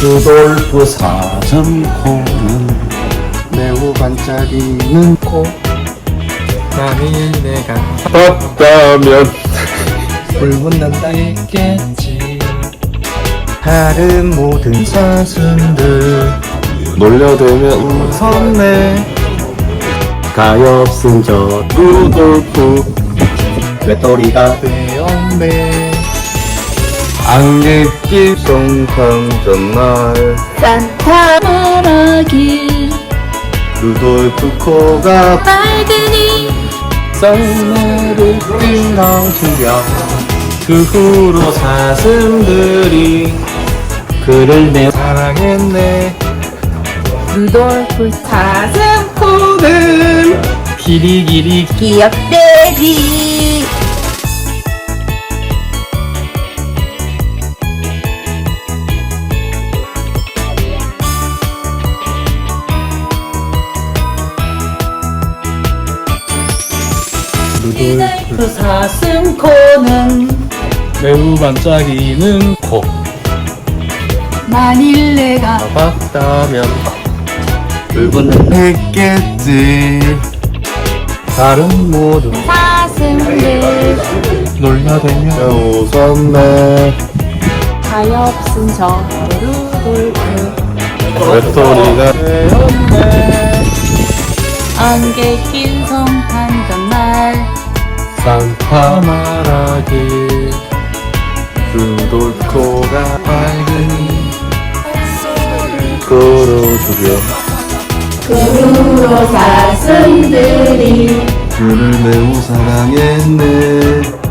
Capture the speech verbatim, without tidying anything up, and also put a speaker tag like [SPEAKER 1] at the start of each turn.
[SPEAKER 1] 루돌프 사슴코는 매우 반짝이는 코.
[SPEAKER 2] 만일 내가
[SPEAKER 1] 없다면
[SPEAKER 2] 붉은 난다 했겠지.
[SPEAKER 1] 다른 모든 사슴들 놀려대며 웃었네. 가엾은 저 루돌프 외톨이가 되었네. 안개 낀 송탕 전날
[SPEAKER 3] 산타 말하길
[SPEAKER 1] 루돌프 코가
[SPEAKER 3] 빨그니
[SPEAKER 1] 썰매를 띵강 충격. 그 후로 사슴들이 그를 매우 사랑했네.
[SPEAKER 3] 루돌프 사슴
[SPEAKER 2] 코는
[SPEAKER 1] 기리기리
[SPEAKER 3] 기억되지. 루돌프 사슴 코는
[SPEAKER 2] 매우 반짝이는 코.
[SPEAKER 3] 만일 내가
[SPEAKER 2] 봤다면
[SPEAKER 1] 붉은 했겠지. 다른 모든
[SPEAKER 3] 사슴들
[SPEAKER 2] 놀려대며
[SPEAKER 1] 웃었네.
[SPEAKER 3] 가엾은 저 루돌프
[SPEAKER 1] 외톨이가 되었네.
[SPEAKER 3] 안개 낀 성탄 전날
[SPEAKER 1] 산타 말하길 루돌프 코가 밝으니 끌어주려
[SPEAKER 3] 그 후로 사슴들이
[SPEAKER 1] 그를 매우 사랑했네.